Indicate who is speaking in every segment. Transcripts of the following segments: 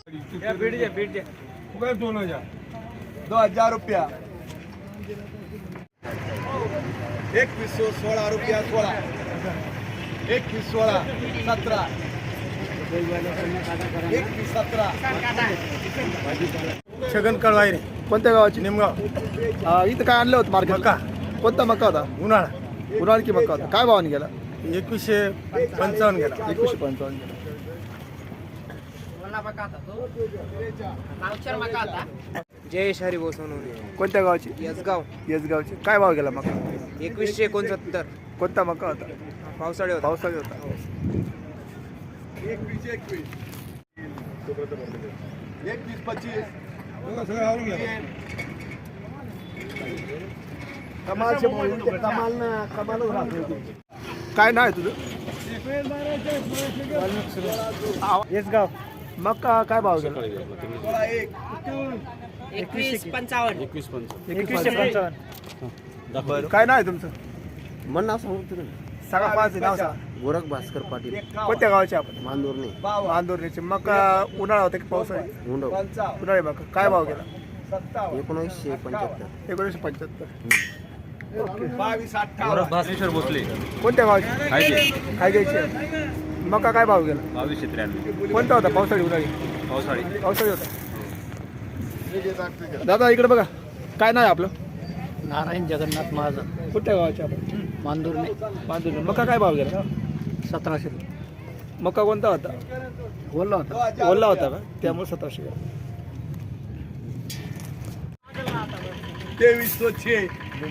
Speaker 1: 2000 रुपया 2116 रुपया 16 2116 17 2117
Speaker 2: छगन कळवायरे.
Speaker 3: कोणत्या गावाची?
Speaker 2: निमगाव.
Speaker 3: इथं काय आणलं होतं मार्केट?
Speaker 2: मका.
Speaker 3: कोणता मका होता?
Speaker 2: उन्हाळा.
Speaker 3: उन्हाळी की मका होता? काय भावाने गेला?
Speaker 2: 2155 गेला.
Speaker 3: 2155 गेला.
Speaker 4: जयेश हरिभाऊ सोनवणे.
Speaker 3: कोणत्या गावाची?
Speaker 4: यसगाव.
Speaker 3: येसगावची. काय भाव गेला मका?
Speaker 4: 2169.
Speaker 3: कोणता मका होता?
Speaker 4: पावसाळी होता.
Speaker 3: पावसाळी होता.
Speaker 1: 21 25 कमालचे कमाल ना कमालच राहतो.
Speaker 3: काय नाव आहे तुझं?
Speaker 2: येसगाव.
Speaker 3: मका काय भाव गेला?
Speaker 4: 2155.
Speaker 2: 2155.
Speaker 3: बरं. काय नाव आहे तुमचं?
Speaker 5: मन नाव सांगू तुला.
Speaker 3: सांगा पाच नाव सांगा.
Speaker 5: गोरख भास्कर पाटील,
Speaker 3: कोणत्या गावाचे आपण?
Speaker 5: मांदूरने.
Speaker 3: आंदोलनाचे. मका उन्हाळा होता की पावसाळी?
Speaker 5: मुंडव.
Speaker 3: उन्हाळी मका. काय भाव गेला?
Speaker 5: 1975.
Speaker 3: 1975.
Speaker 6: भास्कर भोसले.
Speaker 3: कोणत्या गावाची? काय घ्यायची? मका काय भाव गेला?
Speaker 6: 2293.
Speaker 3: कोणता होता? पावसाळी उन्हाळी?
Speaker 6: पावसाळी.
Speaker 3: पावसाळी होता. दादा इकडे बघा. काय नाही आपलं?
Speaker 2: नारायण जगन्नाथ महाजन,
Speaker 3: कोणत्या गावाचे आपण?
Speaker 2: मांदूरने.
Speaker 3: बांधून. मका काय भाव गेला?
Speaker 2: 1700.
Speaker 3: मका कोणता होता?
Speaker 2: बोलला होता.
Speaker 3: ओला होता का? त्यामुळे 1700 गेला.
Speaker 1: 2306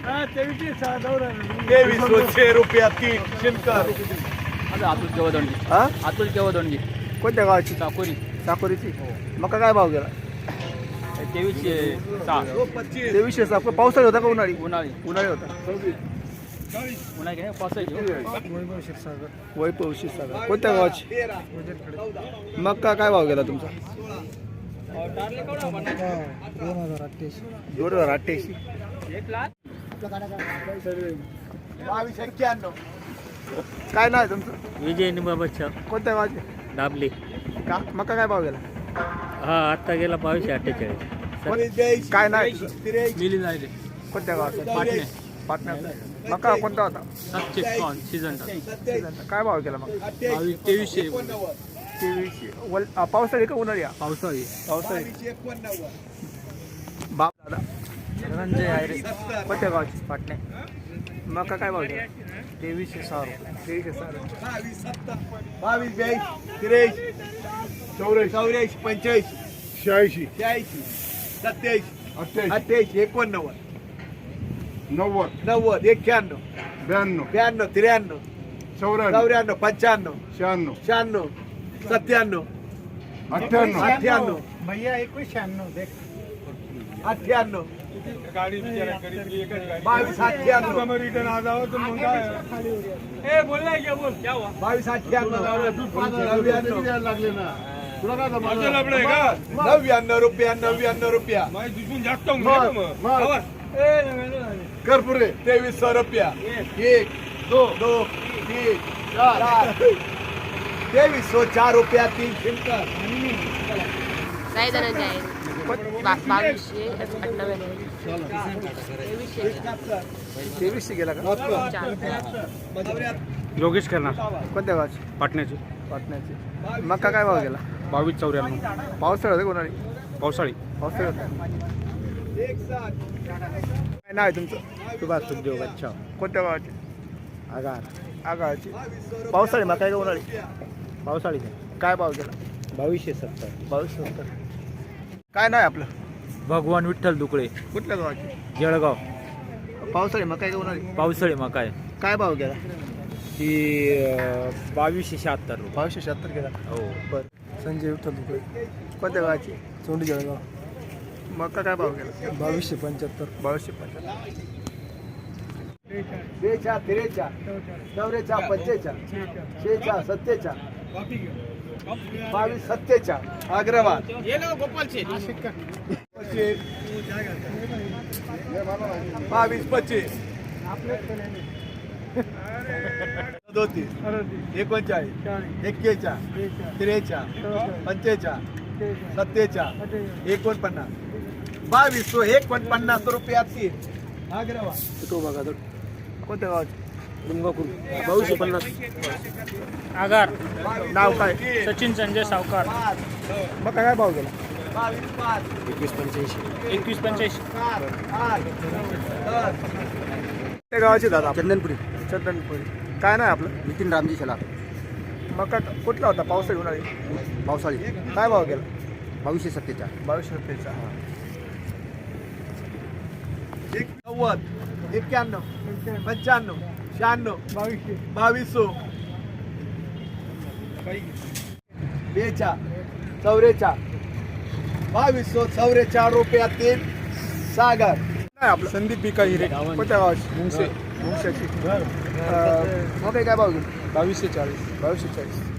Speaker 1: 2306 रुपया 3 शिनकर.
Speaker 2: अतुल केवदंडी.
Speaker 3: हा?
Speaker 2: अतुल केवदंडी.
Speaker 3: कोणत्या गावाची?
Speaker 2: चाकोरी.
Speaker 3: साकोरीची. मका काय भाव गेला?
Speaker 2: 2306.
Speaker 3: 2300. पावसाळी होता का उन्हाळी?
Speaker 2: उन्हाळी.
Speaker 3: उन्हाळी होता.
Speaker 2: उन्हाळी काय पावसाळी.
Speaker 3: वैभव क्षीरसागर. कोणत्या गावाची? मका काय भाव गेला तुमचा? 2088.
Speaker 1: 2291
Speaker 3: काय नाव आहे तुमचं?
Speaker 2: विजय निंबाबच्चा.
Speaker 3: कोणत्या गावाचे?
Speaker 2: दाबले.
Speaker 3: का मका काय भाव गेला?
Speaker 2: हा आता गेला 2248.
Speaker 3: काय नाव आहे तुझं?
Speaker 2: मिली जायले.
Speaker 3: कोणत्या गावाचं?
Speaker 2: पाटणे.
Speaker 3: पाटण्याचा. मका कोणता होता?
Speaker 2: 700 सीझन.
Speaker 3: काय भाव गेला मग?
Speaker 2: 2300.
Speaker 3: 2300. पावसाळी का उन्हाळी?
Speaker 2: पावसाळी.
Speaker 3: पावसाळी. बाप दादा.
Speaker 2: धनंजय आयरे.
Speaker 3: कोणत्या गावाची?
Speaker 2: पाटणे.
Speaker 3: मका काय भाव गेला?
Speaker 2: 2306 रुपये.
Speaker 3: 2300.
Speaker 1: 22 23 84 85
Speaker 5: 86.
Speaker 1: 86 27
Speaker 5: 28.
Speaker 1: 28 89
Speaker 5: 90.
Speaker 1: 90 91
Speaker 5: 92.
Speaker 1: 92 93
Speaker 5: 94.
Speaker 1: 94 95
Speaker 5: 96.
Speaker 1: 96 97
Speaker 5: 98.
Speaker 1: 98
Speaker 2: भैया 2196.
Speaker 1: 98
Speaker 2: गाडी
Speaker 1: 22
Speaker 5: लागले ना तुला काय जमलं?
Speaker 1: 99 रुपया 99 रुपया
Speaker 5: कर पुरे.
Speaker 1: 2300 रुपया 1 2 3 4 2304 रुपया 3 शिनकर.
Speaker 7: काय धनंजय आहे? 2298.
Speaker 3: 2300 गेला का?
Speaker 2: योगेश करणार.
Speaker 3: कोणत्या गावाची?
Speaker 2: पाटण्याची.
Speaker 3: पाटण्याची. मका काय भाव गेला?
Speaker 2: 2294.
Speaker 3: पावसाळी होता का उन्हाळी?
Speaker 2: पावसाळी.
Speaker 3: पावसाळी होता. काय नाव आहे तुमचं?
Speaker 2: सुभाष सुखदेव बच्चा.
Speaker 3: कोणत्या गावाची?
Speaker 2: आगार.
Speaker 3: आगाची. पावसाळी मका आहे का उन्हाळी?
Speaker 2: पावसाळी.
Speaker 3: काय भाव गेला?
Speaker 2: 2270.
Speaker 3: 2270. काय नाव आहे आपलं?
Speaker 2: भगवान विठ्ठल दुकळे.
Speaker 3: कुठल्या गावाची?
Speaker 2: जळगाव.
Speaker 3: पावसाळी मका आहे का उन्हाळी?
Speaker 2: पावसाळी मका आहे.
Speaker 3: काय भाव गेला?
Speaker 2: ती 2276 रुपये.
Speaker 3: 2276 गेला.
Speaker 2: हो.
Speaker 3: बरं. संजय विठ्ठल दुकळे. कोणत्या गावाची?
Speaker 2: चोंडी जळगाव.
Speaker 3: मका काय भाव गेला?
Speaker 2: 2275.
Speaker 3: 2275.
Speaker 1: 43 44 45 46 47 22 47 अग्रवाल. 22 25 39 41 41 43 45 सत्तेचाळ 49 2249 रुपयात तीन. हा गिरावा.
Speaker 3: तो बघा तर कोणत्या गावाचे
Speaker 2: आगार
Speaker 3: नाव काय
Speaker 2: सचिन संजय सावकार
Speaker 3: मका काय भाव गेला
Speaker 2: 2185
Speaker 3: त्या गावाचे दादा
Speaker 1: चंदनपुरी
Speaker 3: चंदनपुरी काय नाही आपलं
Speaker 1: नितीन रामजी शेलार
Speaker 3: मका कुठला होता पावसाळी उन्हाळी
Speaker 1: पावसाळी
Speaker 3: काय भाव गेला
Speaker 1: 2247
Speaker 3: 2200
Speaker 1: 90 91 95 96 2200 बेचा 44 2244 रुपयात तीन सागर.
Speaker 3: नाही आपलं संदीप बिका हिरे कोणत्या गावाचे मुंगसे मुंगशाची मग काय भाव गेला 2240